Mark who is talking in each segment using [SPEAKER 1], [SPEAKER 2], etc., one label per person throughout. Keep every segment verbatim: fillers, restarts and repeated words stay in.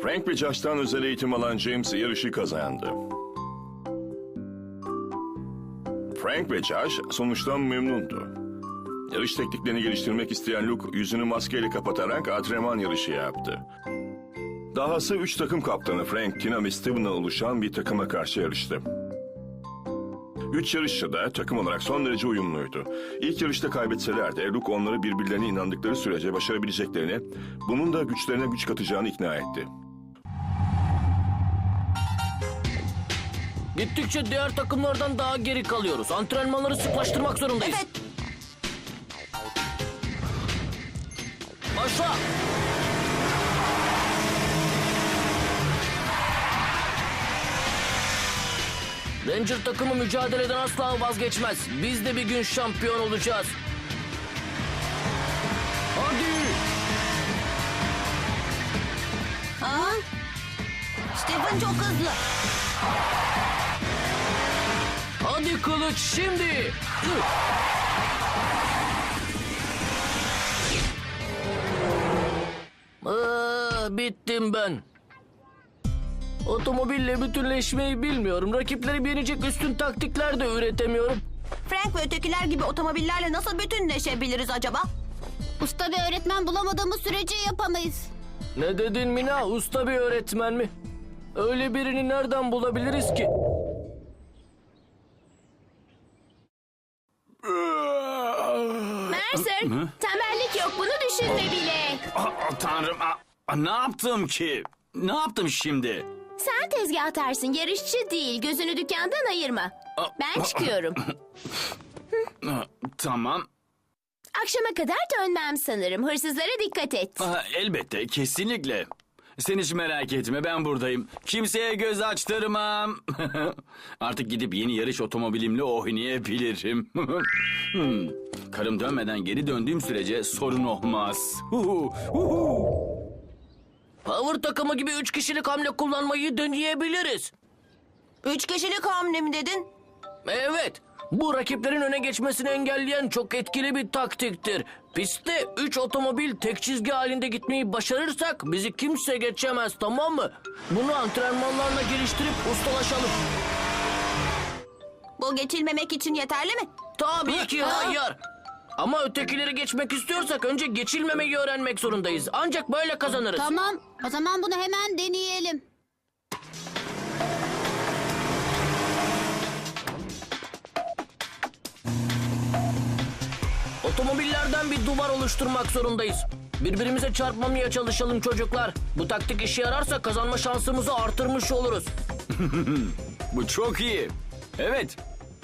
[SPEAKER 1] Frank ve Josh'tan özel eğitim alan James yarışı kazandı. Frank ve Josh sonuçtan memnundu. Yarış tekniklerini geliştirmek isteyen Luke yüzünü maskeyle kapatarak antrenman yarışı yaptı. Dahası üç takım kaptanı Frank, Tina ve Steven'la oluşan bir takıma karşı yarıştı. Üç yarışçı da takım olarak son derece uyumluydu. İlk yarışta kaybetseler de Luke onları birbirlerine inandıkları sürece başarabileceklerini, bunun da güçlerine güç katacağını ikna etti.
[SPEAKER 2] Gittikçe diğer takımlardan daha geri kalıyoruz. Antrenmanları sıklaştırmak zorundayız.
[SPEAKER 3] Evet.
[SPEAKER 2] Başla. Ranger takımı mücadeleden asla vazgeçmez. Biz de bir gün şampiyon olacağız. Hadi.
[SPEAKER 3] Ha? Stephen çok hızlı.
[SPEAKER 2] Hadi kılıç şimdi. Aa, bittim ben. Otomobille bütünleşmeyi bilmiyorum. Rakipleri yenecek üstün taktikler de üretemiyorum.
[SPEAKER 3] Frank ve ötekiler gibi otomobillerle nasıl bütünleşebiliriz acaba?
[SPEAKER 4] Usta bir öğretmen bulamadığımız sürece yapamayız.
[SPEAKER 2] Ne dedin Mina? Usta bir öğretmen mi? Öyle birini nereden bulabiliriz ki?
[SPEAKER 4] Mercer, tembellik yok, bunu düşünme bile.
[SPEAKER 5] Ah, Tanrım, ah, ne yaptım ki? Ne yaptım şimdi?
[SPEAKER 4] Sen tezgah atarsın, yarışçı değil. Gözünü dükkandan ayırma. Ben çıkıyorum.
[SPEAKER 5] Ah, Tamam.
[SPEAKER 4] Akşama kadar dönmem sanırım. Hırsızlara dikkat et.
[SPEAKER 5] Ah, Elbette, kesinlikle. Sen hiç merak etme, ben buradayım. Kimseye göz açtırmam. Artık gidip yeni yarış otomobilimle oynayabilirim. Hmm, Karım dönmeden geri döndüğüm sürece sorun olmaz. Huhu, huhu.
[SPEAKER 2] Power takımı gibi üç kişilik hamle kullanmayı deneyebiliriz.
[SPEAKER 3] Üç kişilik hamle mi dedin?
[SPEAKER 2] Evet. Bu rakiplerin öne geçmesini engelleyen çok etkili bir taktiktir. Pistte üç otomobil tek çizgi halinde gitmeyi başarırsak bizi kimse geçemez, tamam mı? Bunu antrenmanlarla geliştirip ustalaşalım.
[SPEAKER 3] Bu geçilmemek için yeterli mi?
[SPEAKER 2] Tabii ki
[SPEAKER 3] Ha?
[SPEAKER 2] hayır. Ama ötekileri geçmek istiyorsak önce geçilmemeyi öğrenmek zorundayız. Ancak böyle kazanırız.
[SPEAKER 4] Tamam, o zaman bunu hemen deneyelim.
[SPEAKER 2] Otomobillerden bir duvar oluşturmak zorundayız. Birbirimize çarpmamaya çalışalım çocuklar. Bu taktik işe yararsa kazanma şansımızı artırmış oluruz.
[SPEAKER 5] Bu çok iyi. Evet.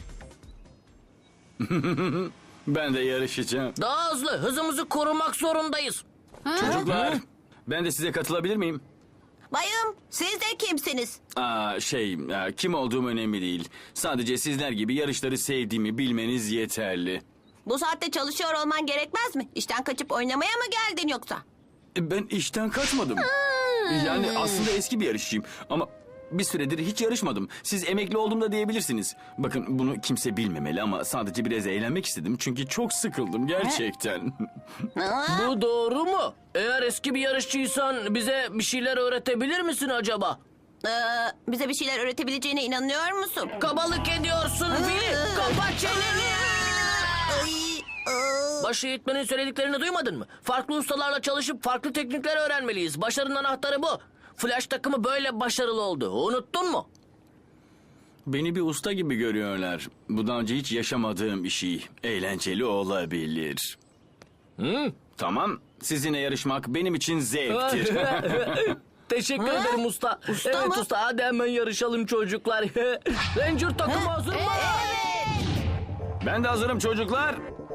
[SPEAKER 5] Ben de yarışacağım.
[SPEAKER 2] Daha hızlı, hızımızı korumak zorundayız.
[SPEAKER 5] Çocuklar, ben de size katılabilir miyim?
[SPEAKER 3] Bayım, siz de kimsiniz?
[SPEAKER 5] Aa, şey, e, kim olduğum önemli değil. Sadece sizler gibi yarışları sevdiğimi bilmeniz yeterli.
[SPEAKER 3] Bu saatte çalışıyor olman gerekmez mi? İşten kaçıp oynamaya mı geldin yoksa?
[SPEAKER 5] E, Ben işten kaçmadım. Yani aslında eski bir yarışçıyım ama bir süredir hiç yarışmadım. Siz emekli oldum da diyebilirsiniz. Bakın bunu kimse bilmemeli ama sadece biraz eğlenmek istedim. Çünkü çok sıkıldım gerçekten.
[SPEAKER 2] Bu doğru mu? Eğer eski bir yarışçıysan bize bir şeyler öğretebilir misin acaba?
[SPEAKER 3] Ee, bize bir şeyler öğretebileceğine inanıyor musun?
[SPEAKER 2] Kabalık ediyorsun Fili. Kapat çeneni.
[SPEAKER 3] Ay, aa.
[SPEAKER 2] Baş eğitmenin söylediklerini duymadın mı? Farklı ustalarla çalışıp farklı teknikler öğrenmeliyiz. Başarının anahtarı bu. Flash takımı böyle başarılı oldu. Unuttun mu?
[SPEAKER 5] Beni bir usta gibi görüyorlar. Bu daha önce hiç yaşamadığım bir şey. Eğlenceli olabilir.
[SPEAKER 2] Hı?
[SPEAKER 5] Tamam, sizinle yarışmak benim için zevktir.
[SPEAKER 2] Teşekkür
[SPEAKER 3] Ha?
[SPEAKER 2] ederim usta.
[SPEAKER 3] Usta
[SPEAKER 2] evet
[SPEAKER 3] mı?
[SPEAKER 2] usta, hadi hemen yarışalım çocuklar. Ranger takımı hazır mı?
[SPEAKER 5] Ben de hazırım çocuklar.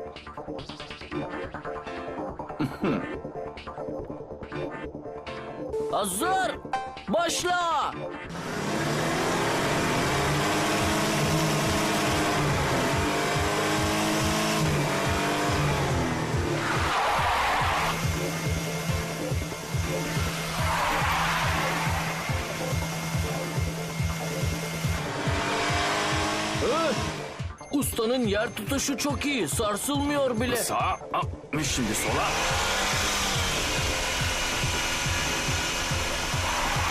[SPEAKER 2] Hazır. Başla. Öh! Ustanın yer tutuşu çok iyi. Sarsılmıyor bile.
[SPEAKER 5] Sağa, ah, şimdi sola.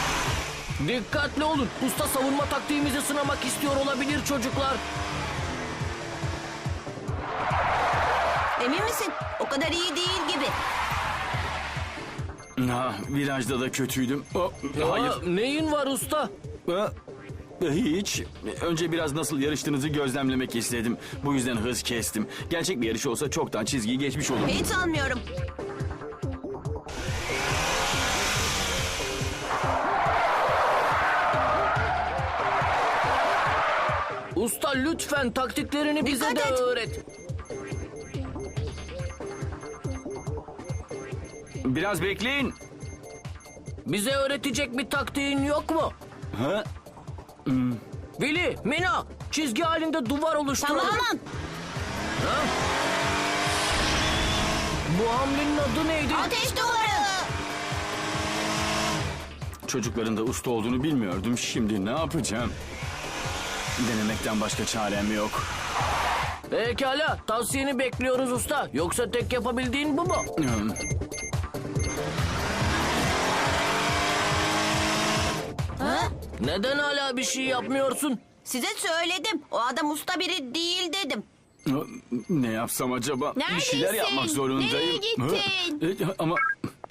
[SPEAKER 2] Dikkatli olun. Usta savunma taktiğimizi sınamak istiyor olabilir çocuklar.
[SPEAKER 3] Emin misin? O kadar iyi değil gibi.
[SPEAKER 5] Ha, virajda da kötüydüm. Oh, hayır.
[SPEAKER 2] Aa, neyin var usta?
[SPEAKER 5] Ha, hiç. Önce biraz nasıl yarıştığınızı gözlemlemek istedim. Bu yüzden hız kestim. Gerçek bir yarış olsa çoktan çizgiyi geçmiş olurdum.
[SPEAKER 3] Hiç sanmıyorum.
[SPEAKER 2] Usta lütfen taktiklerini bize
[SPEAKER 3] Dikkat
[SPEAKER 2] de
[SPEAKER 3] et.
[SPEAKER 2] öğret.
[SPEAKER 5] Biraz bekleyin.
[SPEAKER 2] Bize öğretecek bir taktiğin yok mu?
[SPEAKER 5] Ha?
[SPEAKER 2] Willy, Mina, çizgi halinde duvar oluşturun.
[SPEAKER 3] Tamam.
[SPEAKER 2] Ha? Bu hamlenin adı neydi?
[SPEAKER 3] Ateş duvarı.
[SPEAKER 5] Çocukların da usta olduğunu bilmiyordum. Şimdi ne yapacağım? Denemekten başka çarem yok.
[SPEAKER 2] Pekala, tavsiyeni bekliyoruz usta. Yoksa tek yapabildiğin bu mu?
[SPEAKER 5] Hmm.
[SPEAKER 3] Ha?
[SPEAKER 2] Neden hala bir şey yapmıyorsun?
[SPEAKER 3] Size söyledim. O adam usta biri değil dedim.
[SPEAKER 5] Ne yapsam acaba? Bir şeyler
[SPEAKER 4] Neredesin?
[SPEAKER 5] yapmak zorundayım.
[SPEAKER 4] Nereye gittin?
[SPEAKER 5] Ha? E, Ama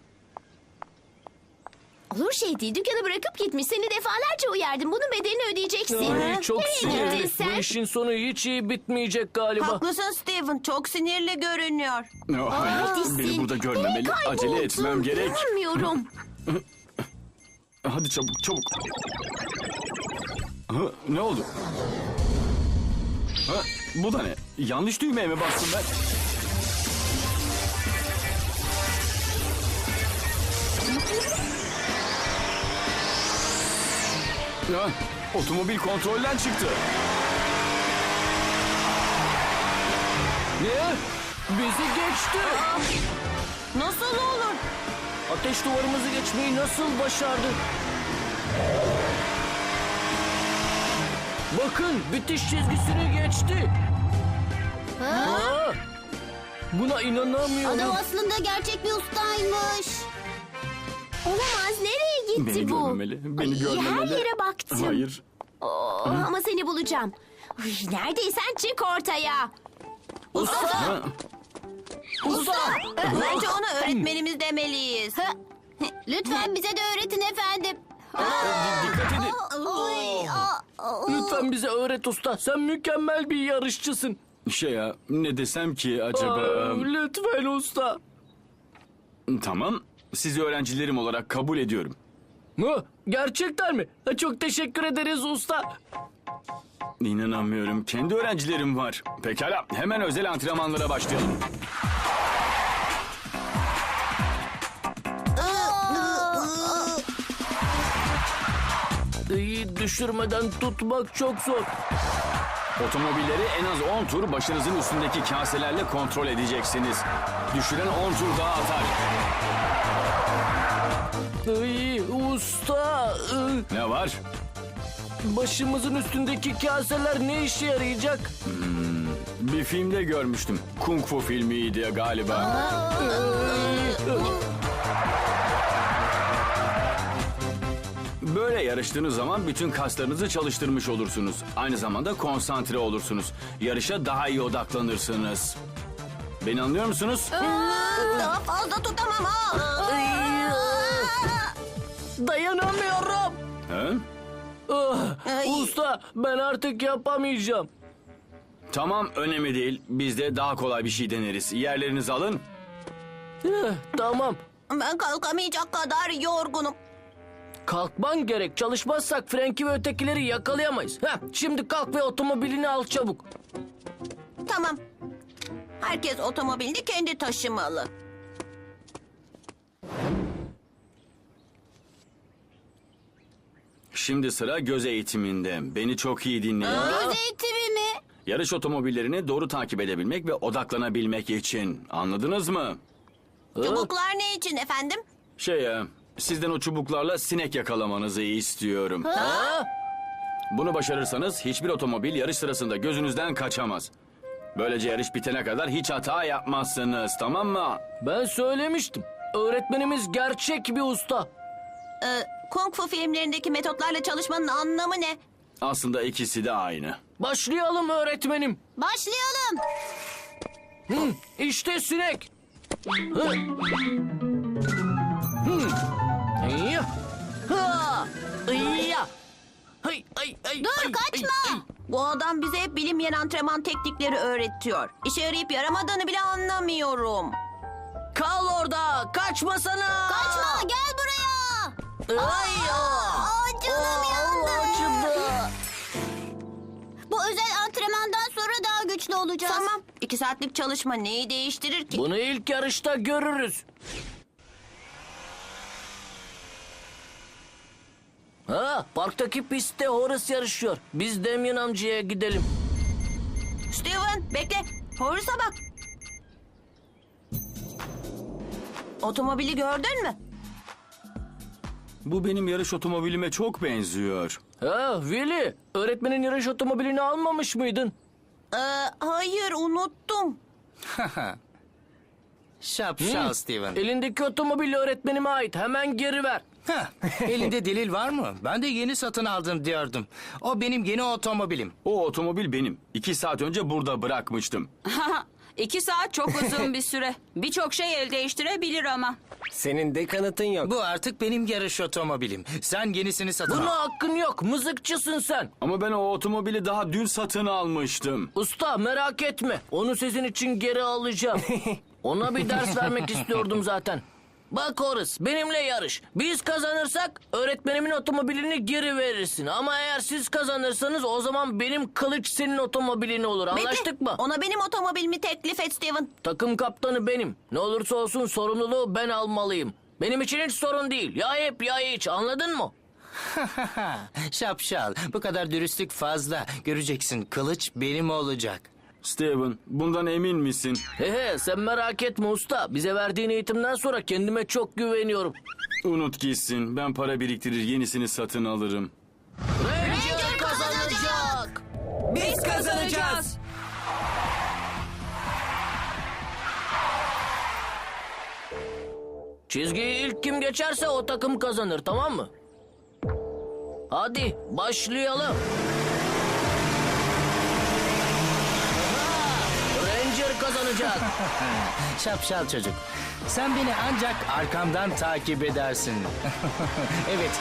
[SPEAKER 4] Olur şey değil. Dükkanı bırakıp gitmiş. Seni defalarca uyardım. Bunun bedelini ödeyeceksin.
[SPEAKER 2] Ay, çok
[SPEAKER 4] Nereye
[SPEAKER 2] sinirli.
[SPEAKER 4] gittin
[SPEAKER 2] Bu
[SPEAKER 4] sen?
[SPEAKER 2] işin sonu hiç iyi bitmeyecek galiba.
[SPEAKER 3] Haklısın Steven. Çok sinirli görünüyor.
[SPEAKER 5] Oh, hayır,
[SPEAKER 4] Neredesin?
[SPEAKER 5] beni burada görmemeli.
[SPEAKER 4] Nereye
[SPEAKER 5] Acele
[SPEAKER 4] kayboldun?
[SPEAKER 5] etmem gerek.
[SPEAKER 4] Görmüyorum.
[SPEAKER 5] Hadi çabuk, çabuk. Ha, ne oldu? Ha, bu da ne? Yanlış düğmeye mi bastım ben? Ha, otomobil kontrolden çıktı.
[SPEAKER 2] Ne? Bizi geçti.
[SPEAKER 3] Nasıl olur?
[SPEAKER 2] Ateş duvarımızı geçmeyi nasıl başardı? Bakın, bitiş çizgisini geçti. Aa, buna inanamıyorum.
[SPEAKER 3] aslında gerçek bir ustaymış.
[SPEAKER 4] Olamaz. Nereye gitti
[SPEAKER 5] Beni
[SPEAKER 4] bu?
[SPEAKER 5] görmemeli, beni görmemeli.
[SPEAKER 4] Her yere baktım.
[SPEAKER 5] Hayır.
[SPEAKER 4] Oo, ama seni bulacağım. Uy, neredeysen çık ortaya.
[SPEAKER 3] Usta!
[SPEAKER 5] Ha,
[SPEAKER 2] Usta!
[SPEAKER 3] Bence ona öğretmenimiz demeliyiz.
[SPEAKER 4] Lütfen bize de öğretin efendim.
[SPEAKER 5] dikkat edin.
[SPEAKER 2] Lütfen bize öğret usta. Sen mükemmel bir yarışçısın.
[SPEAKER 5] Şey ya, ne desem ki acaba...
[SPEAKER 2] Aa, lütfen usta.
[SPEAKER 5] Tamam, sizi öğrencilerim olarak kabul ediyorum.
[SPEAKER 2] Mı? Gerçekten mi? Ha, çok teşekkür ederiz usta.
[SPEAKER 5] İnanamıyorum, kendi öğrencilerim var. Pekala, hemen özel antrenmanlara başlayalım.
[SPEAKER 2] İyi düşürmeden tutmak çok zor.
[SPEAKER 5] Otomobilleri en az on tur başınızın üstündeki kaselerle kontrol edeceksiniz. Düşüren on tur daha atar.
[SPEAKER 2] İyi usta. ıı,
[SPEAKER 5] Ne var?
[SPEAKER 2] Başımızın üstündeki kaseler ne işe yarayacak?
[SPEAKER 5] Bir filmde görmüştüm. Kung Fu filmiydi galiba. Böyle yarıştığınız zaman bütün kaslarınızı çalıştırmış olursunuz. Aynı zamanda konsantre olursunuz. Yarışa daha iyi odaklanırsınız. Beni anlıyor musunuz?
[SPEAKER 3] Daha fazla tutamam ha.
[SPEAKER 2] Dayanamıyorum.
[SPEAKER 5] Ha?
[SPEAKER 2] Ah,
[SPEAKER 3] Ay.
[SPEAKER 2] usta ben artık yapamayacağım.
[SPEAKER 5] Tamam, önemli değil. Biz de daha kolay bir şey deneriz. Yerlerinizi alın.
[SPEAKER 2] Eh, tamam.
[SPEAKER 3] Ben kalkamayacak kadar yorgunum.
[SPEAKER 2] Kalkman gerek. Çalışmazsak Frank'i ve ötekileri yakalayamayız. Heh, şimdi kalk ve otomobilini al çabuk.
[SPEAKER 3] Tamam. Herkes otomobilini kendi taşımalı.
[SPEAKER 5] Şimdi sıra göz eğitiminde. Beni çok iyi dinleyin.
[SPEAKER 3] Göz eğitimi mi?
[SPEAKER 5] Yarış otomobillerini doğru takip edebilmek ve odaklanabilmek için. Anladınız mı?
[SPEAKER 3] Çubuklar ne için efendim?
[SPEAKER 5] Şey ya, sizden o çubuklarla sinek yakalamanızı istiyorum.
[SPEAKER 2] Ha?
[SPEAKER 5] Bunu başarırsanız hiçbir otomobil yarış sırasında gözünüzden kaçamaz. Böylece yarış bitene kadar hiç hata yapmazsınız, tamam mı?
[SPEAKER 2] Ben söylemiştim. Öğretmenimiz gerçek bir usta.
[SPEAKER 3] Ee, Kung Fu filmlerindeki metotlarla çalışmanın anlamı ne?
[SPEAKER 5] Aslında ikisi de aynı.
[SPEAKER 2] Başlayalım öğretmenim.
[SPEAKER 3] Başlayalım.
[SPEAKER 2] Hı, işte sinek. Hı. Hı. İyya. Ha. İyya. Hay, ay, ay,
[SPEAKER 3] Dur
[SPEAKER 2] ay,
[SPEAKER 3] kaçma.
[SPEAKER 2] ay, ay.
[SPEAKER 3] Bu adam bize hep bilinmeyen antrenman teknikleri öğretiyor. İşe yarayıp yaramadığını bile anlamıyorum.
[SPEAKER 2] Kal orada. Kaçmasana.
[SPEAKER 3] Kaçma gel buraya.
[SPEAKER 2] Ay,
[SPEAKER 3] Aa, canım
[SPEAKER 2] Aa,
[SPEAKER 3] yandı.
[SPEAKER 2] acıdı.
[SPEAKER 3] Bu özel antrenmandan sonra daha güçlü olacağız. Tamam. İki saatlik çalışma neyi değiştirir ki?
[SPEAKER 2] Bunu ilk yarışta görürüz. Ha, parktaki pistte Horace yarışıyor. Biz Damien amcaya gidelim.
[SPEAKER 3] Steven bekle. Horace'a bak. Otomobili gördün mü?
[SPEAKER 5] Bu benim yarış otomobilime çok benziyor.
[SPEAKER 2] Ha, Willy, öğretmenin yarış otomobilini almamış mıydın?
[SPEAKER 3] Ee, hayır unuttum.
[SPEAKER 6] Şapşal Steven.
[SPEAKER 2] Elindeki otomobil öğretmenime ait. Hemen geri ver.
[SPEAKER 6] Heh, elinde delil var mı? Ben de yeni satın aldım diyordum. O benim yeni otomobilim.
[SPEAKER 5] O otomobil benim. İki saat önce burada bırakmıştım.
[SPEAKER 7] İki saat çok uzun bir süre. Birçok şey el değiştirebilir ama.
[SPEAKER 8] Senin de kanıtın yok.
[SPEAKER 6] Bu artık benim yarış otomobilim. Sen yenisini satın
[SPEAKER 2] Buna
[SPEAKER 6] al.
[SPEAKER 2] hakkın yok. Mızıkçısın sen.
[SPEAKER 5] Ama ben o otomobili daha dün satın almıştım.
[SPEAKER 2] Usta merak etme. Onu sizin için geri alacağım. Ona bir ders vermek istiyordum zaten. Bak Horace, benimle yarış. Biz kazanırsak öğretmenimin otomobilini geri verirsin. Ama eğer siz kazanırsanız o zaman benim kılıç senin otomobilin olur. Anlaştık
[SPEAKER 3] Bekle,
[SPEAKER 2] mı?
[SPEAKER 3] Ona benim otomobilimi teklif et Steven.
[SPEAKER 2] Takım kaptanı benim. Ne olursa olsun sorumluluğu ben almalıyım. Benim için hiç sorun değil. Ya hep ya hiç, anladın mı?
[SPEAKER 6] Şapşal. Bu kadar dürüstlük fazla. Göreceksin kılıç benim olacak.
[SPEAKER 5] Steven, bundan emin misin?
[SPEAKER 2] He he, sen merak etme usta. Bize verdiğin eğitimden sonra kendime çok güveniyorum.
[SPEAKER 5] Unut gitsin. Ben para biriktirir yenisini satın alırım.
[SPEAKER 2] Ranger kazanacak.
[SPEAKER 8] Biz kazanacağız.
[SPEAKER 2] Çizgiyi ilk kim geçerse o takım kazanır, tamam mı? Hadi başlayalım. Aha, Ranger kazanacak.
[SPEAKER 6] Şapşal çocuk. Sen beni ancak arkamdan takip edersin. Evet.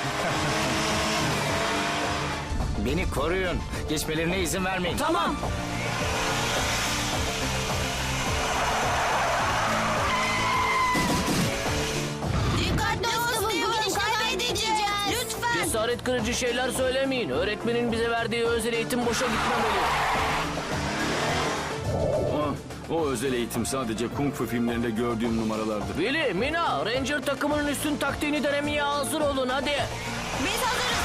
[SPEAKER 6] Beni koruyun. Geçmelerine izin vermeyin.
[SPEAKER 2] Tamam.
[SPEAKER 3] Dikkatli ol Steven, kaybedeceğiz. Lütfen.
[SPEAKER 2] Cesaret kırıcı şeyler söylemeyin. Öğretmenin bize verdiği özel eğitim boşa gitmemeli.
[SPEAKER 5] O, o özel eğitim sadece kung fu filmlerinde gördüğüm numaralardır.
[SPEAKER 2] Willy, Mina, Ranger takımının üstün taktiğini denemeye hazır olun hadi.
[SPEAKER 3] Biz hazırız.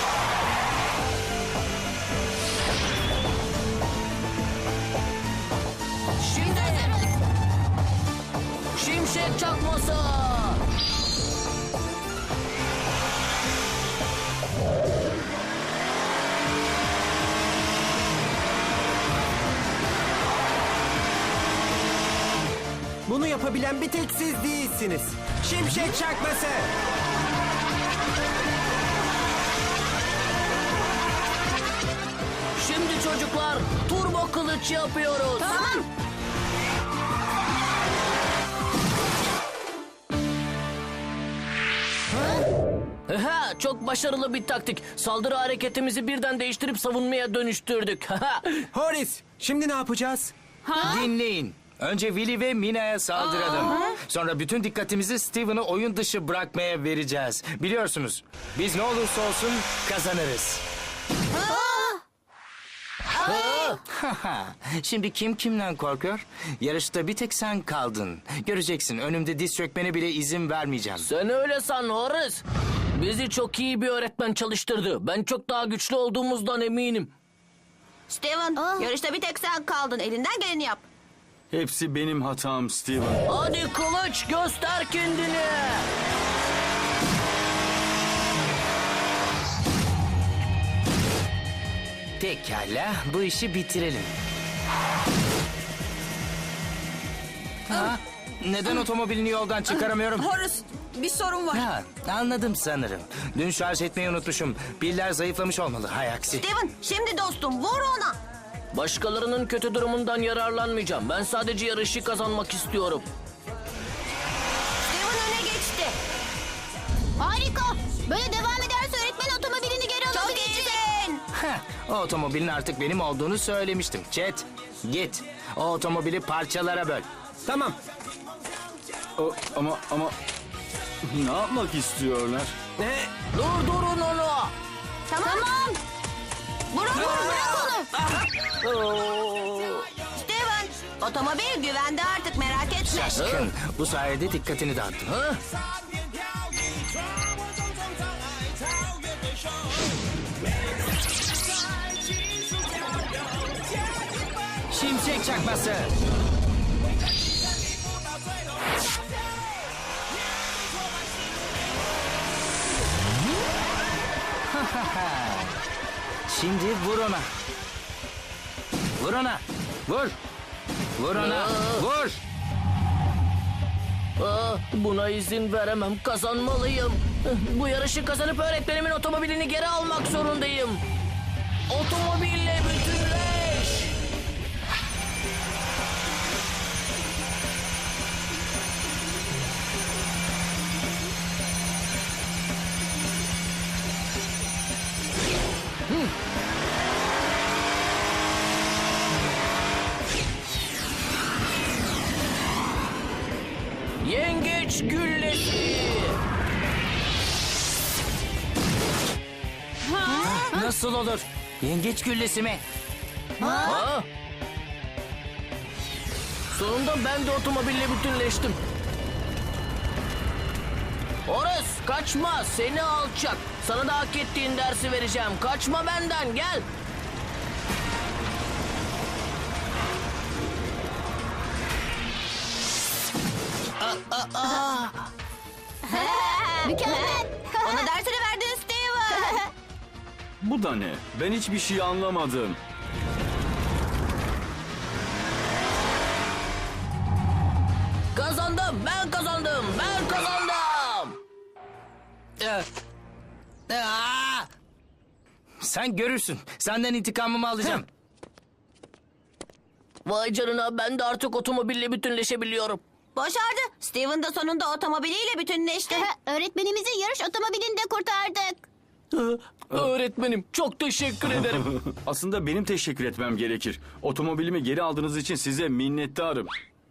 [SPEAKER 2] Şimdi şimşek çakması.
[SPEAKER 8] Bunu yapabilen bir tek siz değilsiniz. Şimşek çakması.
[SPEAKER 2] Şimdi çocuklar turbo kılıç yapıyoruz.
[SPEAKER 3] Tamam.
[SPEAKER 2] Ha, çok başarılı bir taktik. Saldırı hareketimizi birden değiştirip savunmaya dönüştürdük.
[SPEAKER 8] Horace, şimdi ne yapacağız?
[SPEAKER 6] Dinleyin. Önce Willy ve Mina'ya saldıralım. Sonra bütün dikkatimizi Steven'ı oyun dışı bırakmaya vereceğiz. Biliyorsunuz biz ne olursa olsun kazanırız. Şimdi kim kimden korkuyor? Yarışta bir tek sen kaldın. Göreceksin önümde diz çökmene bile izin vermeyeceğim.
[SPEAKER 2] Sen öyle san Horace. Bizi çok iyi bir öğretmen çalıştırdı. Ben çok daha güçlü olduğumuzdan eminim.
[SPEAKER 3] Steven, yarışta bir tek sen kaldın. Elinden geleni yap.
[SPEAKER 5] Hepsi benim hatam Steven.
[SPEAKER 2] Hadi kılıç göster kendini.
[SPEAKER 6] Pekala bu işi bitirelim. Ha? Neden otomobilini yoldan çıkaramıyorum?
[SPEAKER 7] Horace, bir sorun var.
[SPEAKER 6] Ha, anladım sanırım. Dün şarj etmeyi unutmuşum. Piller zayıflamış olmalı. Hay aksi.
[SPEAKER 3] Steven şimdi dostum vur ona.
[SPEAKER 2] Başkalarının kötü durumundan yararlanmayacağım. Ben sadece yarışı kazanmak istiyorum.
[SPEAKER 3] Steven öne geçti.
[SPEAKER 4] Harika. Böyle devam ederse öğretmen otomobilini geri
[SPEAKER 3] Çok
[SPEAKER 4] alabilecek.
[SPEAKER 3] iyisin.
[SPEAKER 6] Heh, o otomobilin artık benim olduğunu söylemiştim. Chet, git. O otomobili parçalara böl.
[SPEAKER 8] Tamam.
[SPEAKER 5] O, ama ama ne yapmak istiyorlar?
[SPEAKER 8] Ne?
[SPEAKER 2] Durdurun onu.
[SPEAKER 4] Tamam.
[SPEAKER 3] Bırak onu bırak onu. Steven otomobil güvende artık merak etme.
[SPEAKER 6] Şaşkın. Bu sayede dikkatini dağıttım.
[SPEAKER 2] Ha?
[SPEAKER 6] Şimşek çakması. Şimdi vur ona. Vur ona. Vur. Vur ona. Vur.
[SPEAKER 2] Aa, buna izin veremem. Kazanmalıyım. Bu yarışı kazanıp öğretmenimin otomobilini geri almak zorundayım. Otomobille bütünleş. Yengeç güllesi.
[SPEAKER 6] Nasıl olur? Yengeç güllesi mi?
[SPEAKER 2] Ha? Sonunda ben de otomobille bütünleştim. Horace kaçma seni alçak. Sana da hak ettiğin dersi vereceğim. Kaçma benden gel.
[SPEAKER 4] Mükemmel.
[SPEAKER 3] Ona dersini verdin Steven.
[SPEAKER 5] Bu da ne? Ben hiçbir şey anlamadım.
[SPEAKER 2] Kazandım ben kazandım ben kazandım.
[SPEAKER 6] Aa! Sen görürsün. Senden intikamımı alacağım.
[SPEAKER 2] Vay canına ben de artık otomobille bütünleşebiliyorum.
[SPEAKER 3] Başardı. Steven de sonunda otomobiliyle bütünleşti.
[SPEAKER 4] Öğretmenimizin yarış otomobilini de kurtardık.
[SPEAKER 2] Öğretmenim çok teşekkür ederim.
[SPEAKER 5] Aslında benim teşekkür etmem gerekir. Otomobilimi geri aldığınız için size minnettarım.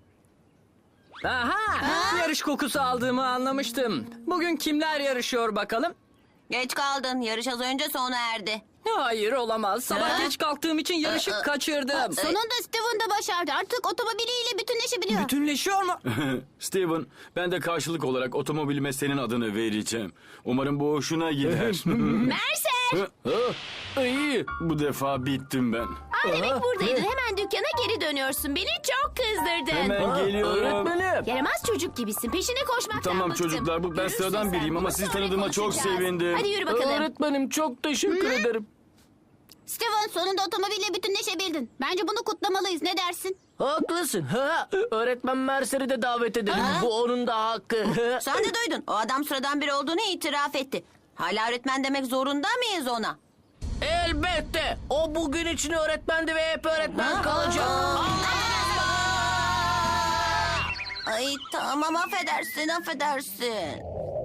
[SPEAKER 9] Aha! Yarış kokusu aldığımı anlamıştım. Bugün kimler yarışıyor bakalım?
[SPEAKER 3] Geç kaldın. Yarış az önce sona erdi.
[SPEAKER 9] Hayır olamaz. Sabah geç kalktığım için yarışı kaçırdım.
[SPEAKER 4] Sonunda Steven de başardı. Artık otomobiliyle bütünleşebiliyor.
[SPEAKER 9] Bütünleşiyor mu?
[SPEAKER 5] Steven, ben de karşılık olarak otomobilime senin adını vereceğim. Umarım bu hoşuna gider.
[SPEAKER 4] Mercer!
[SPEAKER 2] İyi.
[SPEAKER 5] Bu defa bittim ben.
[SPEAKER 4] Aa, demek buradaydın. Hemen dükkana geri dönüyorsun. Beni çok kızdırdın.
[SPEAKER 5] Hemen geliyorum.
[SPEAKER 2] Öğretmenim.
[SPEAKER 4] Yaramaz çocuk gibisin. Peşine koşmaktan
[SPEAKER 5] Tamam
[SPEAKER 4] bıktım.
[SPEAKER 5] çocuklar, bu ben
[SPEAKER 4] Görürsün
[SPEAKER 5] sıradan
[SPEAKER 4] sen.
[SPEAKER 5] biriyim ama
[SPEAKER 4] Bunu
[SPEAKER 5] sizi
[SPEAKER 4] sonra
[SPEAKER 5] tanıdığıma çok
[SPEAKER 4] konuşacağız.
[SPEAKER 5] sevindim.
[SPEAKER 4] Hadi yürü bakalım.
[SPEAKER 2] Öğretmenim çok teşekkür ederim.
[SPEAKER 4] Steven sonunda otomobille bütünleşebildin. Bence bunu kutlamalıyız. Ne dersin?
[SPEAKER 2] Haklısın. Ha, öğretmen Mercer'i de davet edelim. Bu onun da hakkı.
[SPEAKER 3] Sen de duydun. O adam sıradan biri olduğunu itiraf etti. Hala öğretmen demek zorunda mıyız ona?
[SPEAKER 2] Elbette. O bugün için öğretmendi ve hep öğretmen kalacak.
[SPEAKER 3] Ay tamam affedersin affedersin.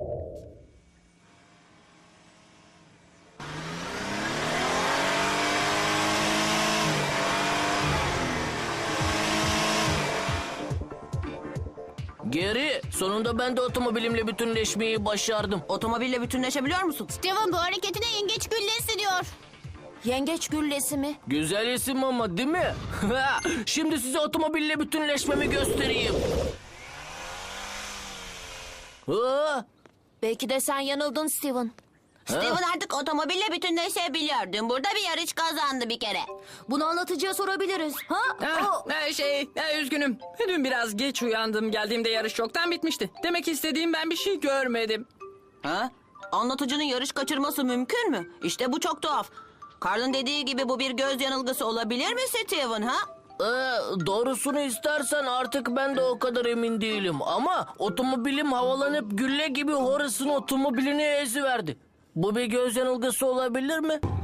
[SPEAKER 2] Geri. Sonunda ben de otomobilimle bütünleşmeyi başardım.
[SPEAKER 3] Otomobille bütünleşebiliyor musun?
[SPEAKER 4] Steven bu hareketine yengeç güllesi diyor.
[SPEAKER 3] Yengeç güllesi mi?
[SPEAKER 2] Güzel isim ama değil mi? Şimdi size otomobille bütünleşmemi göstereyim. Aa,
[SPEAKER 3] Belki de sen yanıldın Steven. Steven artık otomobille bütünleşebiliyor. Dün burada bir yarış kazandı bir kere. Bunu anlatıcıya sorabiliriz. Ha?
[SPEAKER 9] Ha, ha, şey, ha, üzgünüm. Dün biraz geç uyandım. Geldiğimde yarış çoktan bitmişti. Demek istediğim ben bir şey görmedim.
[SPEAKER 3] Ha? Anlatıcının yarış kaçırması mümkün mü? İşte bu çok tuhaf. Carl'ın dediği gibi bu bir göz yanılgısı olabilir mi Steven ha?
[SPEAKER 2] Ee, doğrusunu istersen artık ben de o kadar emin değilim. Ama otomobilim havalanıp gülle gibi Horace'ın otomobilini eziverdi. Bu bir göz yanılgısı olabilir mi?